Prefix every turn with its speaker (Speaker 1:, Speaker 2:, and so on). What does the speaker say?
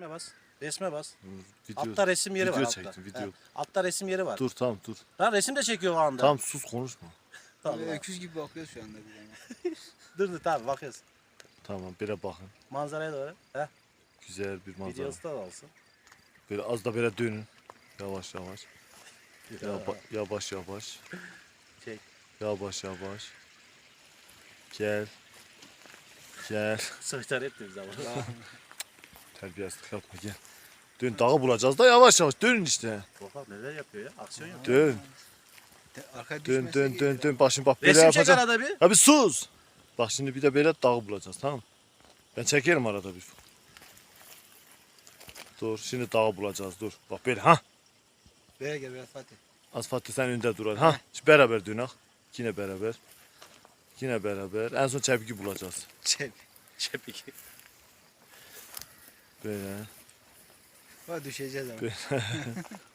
Speaker 1: Resme bas. Resme bas.
Speaker 2: Video,
Speaker 1: Altta resim yeri var.
Speaker 2: video
Speaker 1: Altta.
Speaker 2: çektim, video.
Speaker 1: He, altta resim yeri var.
Speaker 2: Dur tamam dur.
Speaker 1: Lan resim de çekiyor o anda.
Speaker 2: Tamam sus konuşma.
Speaker 1: Tamam.
Speaker 3: Öküz gibi bakıyoruz şu anda bir yana.
Speaker 1: Dur tamam bakıyoruz.
Speaker 2: Tamam böyle bakın.
Speaker 1: Manzaraya doğru. Heh.
Speaker 2: Güzel bir manzara.
Speaker 1: Videosu da olsun.
Speaker 2: Böyle az da böyle dönün. Yavaş yavaş. Yavaş yavaş.
Speaker 1: Çek.
Speaker 2: Yavaş yavaş. Gel. Gel.
Speaker 1: Soytar etti bize ama.
Speaker 2: Terbiyesizlik yapma gel. Dön dağı bulacağız da yavaş yavaş dönün işte.
Speaker 1: Bakalım neler yapıyor ya. Aksiyon yapıyor.
Speaker 2: Dön.
Speaker 3: Arkaya
Speaker 2: Dön
Speaker 3: düşmezse
Speaker 2: dön dön
Speaker 3: gelir.
Speaker 2: dön. Bak şimdi bak böyle
Speaker 1: Resim çek
Speaker 2: yapacağım.
Speaker 1: arada bir.
Speaker 2: Ya bir sus. Bak şimdi bir de böyle dağı bulacağız tamam mı? Ben çekerim arada bir. Dur şimdi dağı bulacağız dur. Bak böyle ha.
Speaker 3: Böyle gel biraz Fatih.
Speaker 2: Az Fatih sen önde dur. Ha. Şimdi beraber dönek. Yine beraber. Yine beraber. En son çepiki bulacağız.
Speaker 3: Çek.
Speaker 1: Çepik.
Speaker 2: Böyle.
Speaker 3: Bak düşeceğiz ama.